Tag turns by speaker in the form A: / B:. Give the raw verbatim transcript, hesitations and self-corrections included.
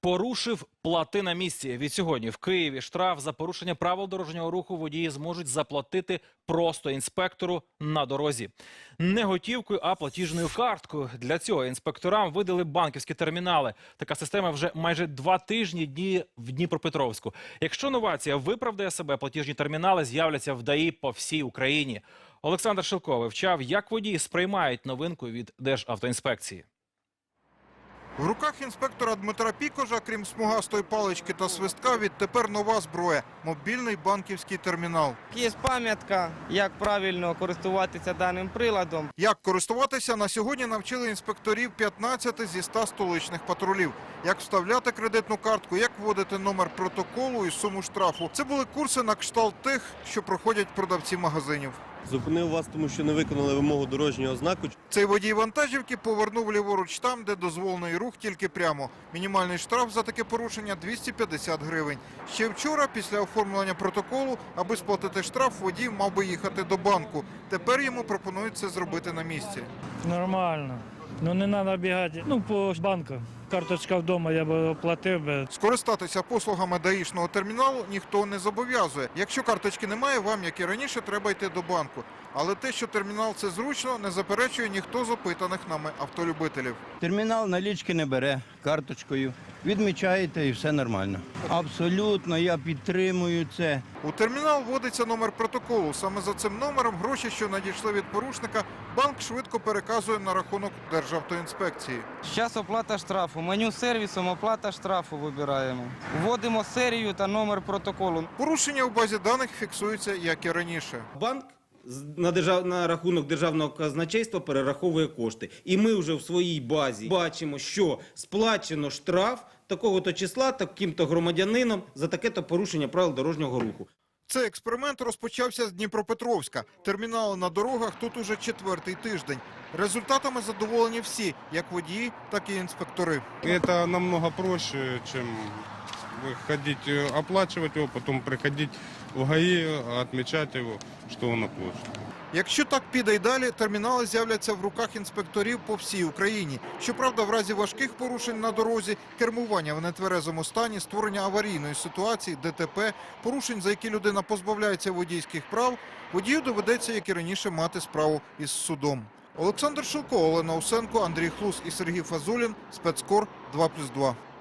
A: Порушив – плати на місці. Від сьогодні в Києві штраф за порушення правил дорожнього руху водії зможуть заплатити просто інспектору на дорозі. Не готівкою, а платіжною карткою. Для цього інспекторам видали банківські термінали. Така система вже майже два тижні діє в Дніпропетровську. Якщо новація виправдає себе, платіжні термінали з'являться в ДАІ по всій Україні. Олександр Шилко вивчав, як водії сприймають новинку від Державтоінспекції.
B: В руках інспектора Дмитра Пікожа, крім смугастої палички та свистка, відтепер нова зброя – мобільний банківський термінал.
C: Є пам'ятка, як правильно користуватися даним приладом.
B: Як користуватися, на сьогодні навчили інспекторів п'ятнадцяти зі ста столичних патрулів. Як вставляти кредитну картку, як вводити номер протоколу і суму штрафу. Це були курси на кшталт тих, що проходять продавці магазинів.
D: Зупинив вас, тому що не виконали вимогу дорожнього знаку.
B: Цей водій вантажівки повернув ліворуч там, де дозволений рух тільки прямо. Мінімальний штраф за таке порушення – двісті п'ятдесят гривень. Ще вчора, після оформлення протоколу, аби сплатити штраф, водій мав би їхати до банку. Тепер йому пропонують це зробити на місці.
E: Нормально. Ну не треба бігати. Ну, по банку. Карточка вдома, я б оплатив би.
B: Скористатися послугами даїшного терміналу ніхто не зобов'язує. Якщо карточки немає, вам, як і раніше, треба йти до банку. Але те, що термінал – це зручно, не заперечує ніхто з опитаних нами автолюбителів.
F: Термінал налічки не бере, карточкою. Відмічаєте і все нормально. Абсолютно, я підтримую це.
B: У термінал вводиться номер протоколу. Саме за цим номером гроші, що надійшли від порушника, банк швидко переказує на рахунок Державтоінспекції.
C: Зараз оплата штрафу. Меню сервісом оплата штрафу вибираємо. Вводимо серію та номер протоколу.
B: Порушення у базі даних фіксуються, як і раніше.
G: Банк на, держав... на рахунок державного казначейства перераховує кошти. І ми вже в своїй базі бачимо, що сплачено штраф такого-то числа, таким-то громадянином за таке-то порушення правил дорожнього руху.
B: Цей експеримент розпочався з Дніпропетровська. Термінали на дорогах тут уже четвертий тиждень. Результатами задоволені всі, як водії, так і інспектори.
H: Это намного проще, чем ходить оплачивать его, потом приходить в ГАИ, отмечать его, что он оплачен.
B: Якщо так піде й далі, термінали з'являться в руках інспекторів по всій Україні. Щоправда, в разі важких порушень на дорозі, кермування в нетверезому стані, створення аварійної ситуації, ДТП, порушень, за які людина позбавляється водійських прав, водію доведеться, як і раніше, мати справу із судом. Олександр Шилко, Олена Усенко, Андрій Хлус і Сергій Фазулін. Спецкор два плюс два.